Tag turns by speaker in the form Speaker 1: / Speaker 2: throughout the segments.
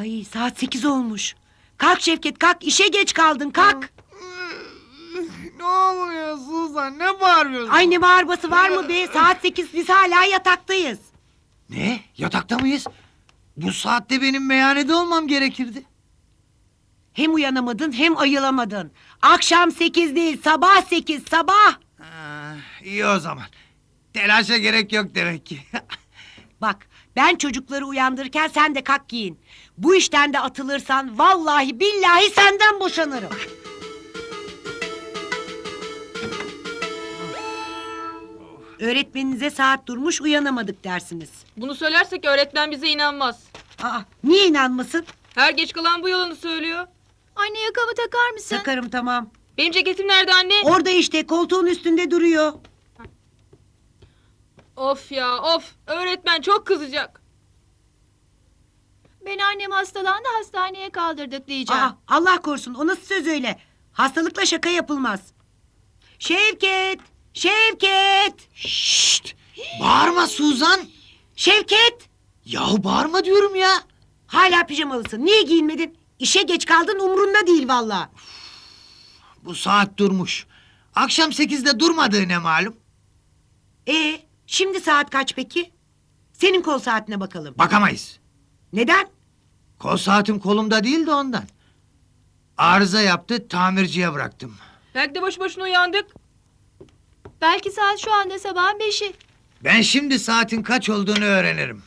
Speaker 1: Ay saat 8 olmuş. Kalk Şevket kalk, işe geç kaldın kalk.
Speaker 2: Ne oluyor Suzan? Ne bağırıyorsun?
Speaker 1: Ay ne bağırması var mı be? Saat 8 biz hala yataktayız.
Speaker 2: Ne? Yatakta mıyız? Bu saatte benim meyhanede olmam gerekirdi.
Speaker 1: Hem uyanamadın hem ayılamadın. Akşam 8 değil sabah 8 sabah.
Speaker 2: İyi o zaman. Telaşa gerek yok demek ki.
Speaker 1: Bak ben çocukları uyandırırken sen de kalk giyin. Bu işten de atılırsan vallahi billahi senden boşanırım. Öğretmeninize saat durmuş uyanamadık dersiniz.
Speaker 3: Bunu söylersek öğretmen bize inanmaz.
Speaker 1: Aa, niye inanmasın?
Speaker 3: Her geç kalan bu yalanı söylüyor.
Speaker 4: Anne yakamı takar mısın?
Speaker 1: Takarım tamam.
Speaker 3: Benim ceketim nerede anne?
Speaker 1: Orada işte koltuğun üstünde duruyor.
Speaker 3: Of ya of. Öğretmen çok kızacak.
Speaker 4: Ben annem hastalandı hastaneye kaldırdık diyeceğim.
Speaker 1: Aa, Allah korusun o nasıl söz öyle? Hastalıkla şaka yapılmaz. Şevket! Şevket!
Speaker 2: Şşt! Bağırma Suzan!
Speaker 1: Şevket!
Speaker 2: Yahu bağırma diyorum ya!
Speaker 1: Hala pijamalısın. Niye giyinmedin? İşe geç kaldın umrunda değil vallahi.
Speaker 2: Bu saat durmuş. Akşam 8'de durmadığı ne malum?
Speaker 1: Şimdi saat kaç peki? Senin kol saatine bakalım.
Speaker 2: Bakamayız.
Speaker 1: Neden?
Speaker 2: Kol saatim kolumda değil de ondan. Arıza yaptı, tamirciye bıraktım.
Speaker 3: Belki de boş boşuna uyandık.
Speaker 4: Belki saat şu anda sabahın 5'i.
Speaker 2: Ben şimdi saatin kaç olduğunu öğrenirim.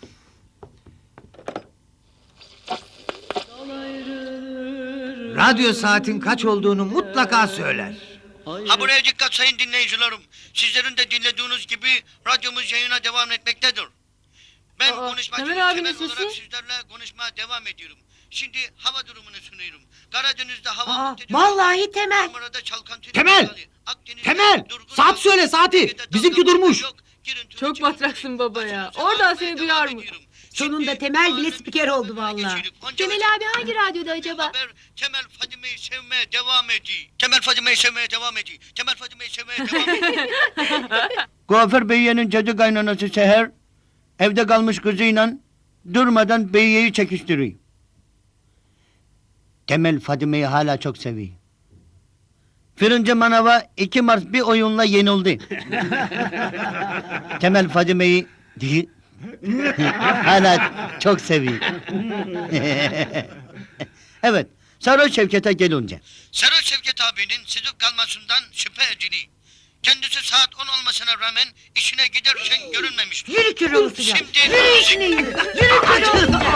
Speaker 2: Radyo saatin kaç olduğunu mutlaka söyler.
Speaker 5: Ha buraya dikkat sayın dinleyicilerim. Sizlerin de dinlediğiniz gibi radyomuz yayına devam etmektedir. Ben
Speaker 3: Aa,
Speaker 5: konuşmacı
Speaker 3: Temel abinin
Speaker 5: Temel
Speaker 3: sesi.
Speaker 5: olarak sizlerle konuşmaya devam ediyorum. Şimdi hava durumunu sunuyorum. Karadeniz'de hava
Speaker 1: Aa,
Speaker 5: muhtedir.
Speaker 1: vallahi Temel.
Speaker 5: Marmara'da çalkantı.
Speaker 2: Temel! Temel! Saat söyle, saati! Bizimki durmuş.
Speaker 3: Çok batraksın baba ya. Oradan seni duyar mı?
Speaker 1: Sonunda Temel bile spiker oldu vallahi.
Speaker 4: Temel abi hangi radyoda acaba?
Speaker 5: Temel Fadime'yi sevmeye devam ediyor. Temel Fadime'yi sevmeye devam ediyor. Temel Fadime'yi sevmeye devam ediyor.
Speaker 6: Kuaför Beyye'nin cadı kaynanası Seher, evde kalmış kızıyla durmadan Beyye'yi çekiştiriyor. Temel Fadime'yi hala çok seviyor. Fırıncı Manava 2 Mart bir oyunla yenildi. Temel Fadime'yi hala çok seviyor. Evet, Sarı Şevket'e gelince.
Speaker 5: Sarı Şevket abinin sızıp kalmasından şüphe ediliyor. Kendisi saat 10 olmasına rağmen işine giderken görünmemiştir.
Speaker 1: Yürü kürolası ya.
Speaker 5: Şimdi
Speaker 1: Yürü işine yürü. Yürü kürolası.